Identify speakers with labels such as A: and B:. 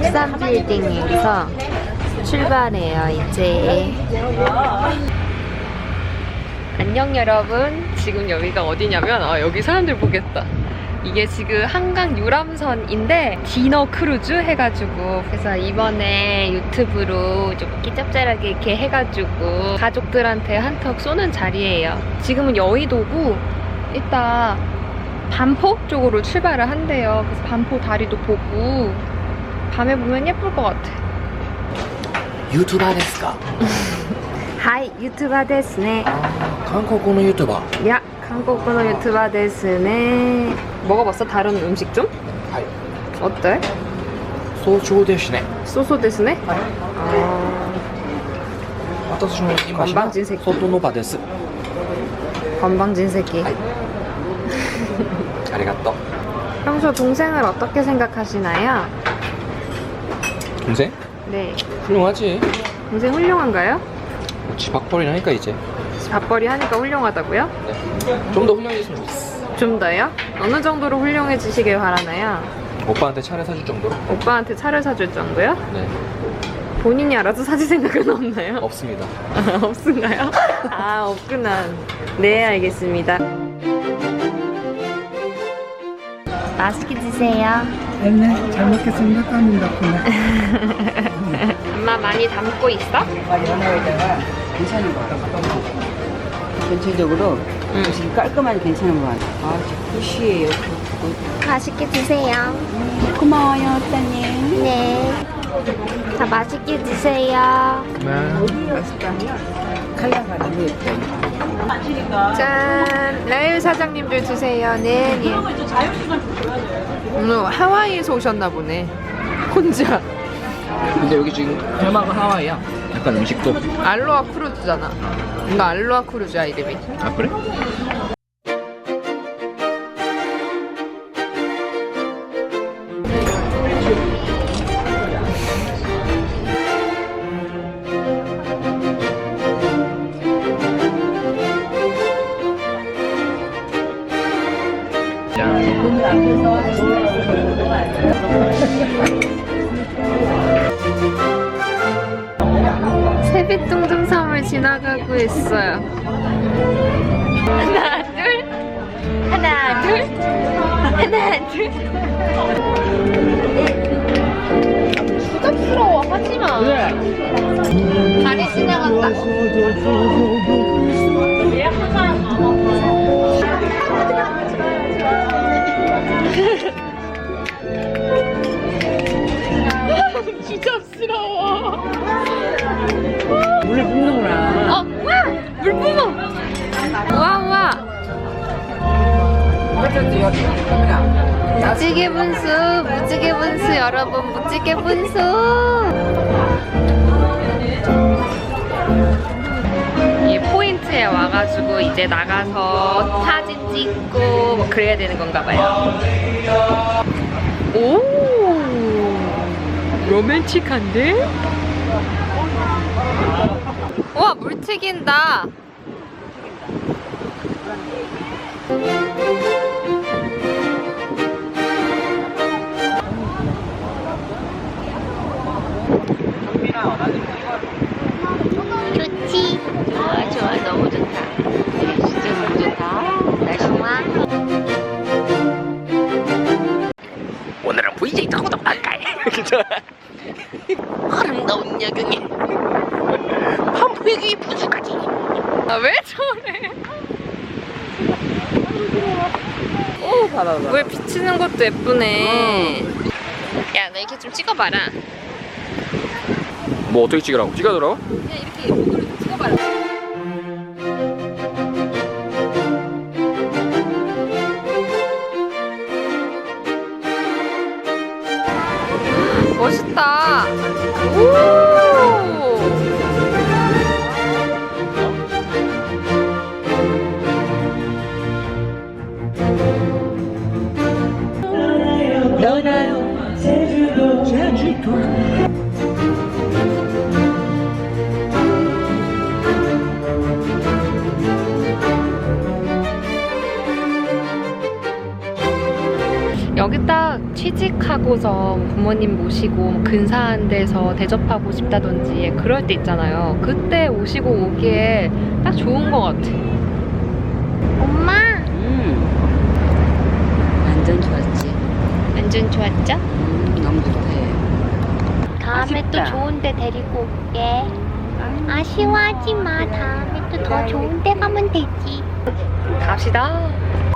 A: 13 빌딩에서 출발해요, 이제. 안녕 여러분. 지금 여기가 어디냐면 여기 사람들 보겠다. 이게 지금 한강 유람선인데 디너 크루즈 해가지고, 그래서 이번에 유튜브로 좀 끼짭짤하게 이렇게 해가지고 가족들한테 한턱 쏘는 자리예요. 지금은 여의도고 이따 반포 쪽으로 출발을 한대요. 그래서 반포 다리도 보고 밤에 보면 예쁠 것 같아.
B: 유튜버 ですか?
A: 하이, 유튜버 ですね.
B: 한국어 유튜버.
A: 야, 한국어 유튜버 ですね. 먹어봤어? 다른 음식 좀?
B: はい。
A: 어때?
B: そうですね.
A: 소소 ですね?
B: 私の今しは外の場です.
A: 건방진 새끼.
B: はい。ありがとう.
A: 평소 동생을 어떻게 생각하시나요?
B: 동생?
A: 네.
B: 훌륭하지.
A: 동생 훌륭한가요?
B: 집 밥벌이 하니까 이제.
A: 밥벌이 하니까 훌륭하다고요?
B: 네. 좀 더 훌륭해졌으면 좋겠어.
A: 좀 더요? 어느 정도로 훌륭해지시길 바라나요?
B: 오빠한테 차를 사줄 정도로?
A: 오빠한테 차를 사줄 정도요?
B: 네.
A: 본인이 알아서 사줄 생각은 없나요?
B: 없습니다.
A: 없은가요? 아, 없구나. 네, 알겠습니다. 맛있게 드세요.
C: 네, 잘 먹겠습니다. 땀이 났구나.
A: 엄마 많이 담고 있어?
D: 연어에다가 괜찮은 거 같아. 전체적으로 지금 깔끔하게 괜찮은 거 같아. 아, 굿이에요.
A: 맛있게 드세요.
D: 고마워요, 따님.
A: 네. 다 맛있게 드세요.
D: 칼라가 너무 예뻐.
A: 짠! 라일 사장님들 드세요. 네, 예. 오늘 하와이에서 오셨나 보네. 혼자.
B: 근데 여기 지금 테마가 하와이야. 약간 음식도.
A: 알로하 크루즈잖아. 이거 알로하 크루즈야, 이름이.
B: 아 그래?
A: 세빛둥둥섬을 지나가고 있어요. 하나, 둘. 하나, 둘. 하나, 둘. 부담스러워, 하지마. 다리 지나간다. 부담스러워.
D: 물을 붓는구나.
A: 와! 물 뿜어! 와, 와! 무지개 분수, 무지개 분수, 여러분, 무지개 분수! 이 포인트에 와가지고 이제 나가서 사진 찍고 뭐 그래야 되는 건가 봐요. 오! 로맨틱한데? 우와, 물 튀긴다. 좋지? 좋아, 좋아, 너무 좋다. 진짜 너무 좋다. 날씨 좋아.
B: 오늘은 VJ 타고 나갈까요? 아름다운 야경에 한포기 부수까지.
A: 아, 왜 저래?
D: 오, 봐봐.
A: 물 비치는 것도 예쁘네. 야, 나 이렇게 좀 찍어봐라.
B: 뭐 어떻게 찍으라고? 찍어더라고?
A: 그냥 이렇게 이걸로 좀 찍어봐라. 멋있다. 오! 여기 딱 취직하고서 부모님 모시고 근사한 데서 대접하고 싶다든지 그럴 때 있잖아요. 그때 오시고 오기에 딱 좋은 것 같아. 엄마!
D: 완전 좋았지.
A: 완전 좋았죠?
D: 너무 좋대.
A: 다음에 또
D: 아쉽다.
A: 좋은 데 데리고 올게. 아쉬워하지 마. 다음에 또 더 좋은 데 가면 되지. 갑시다.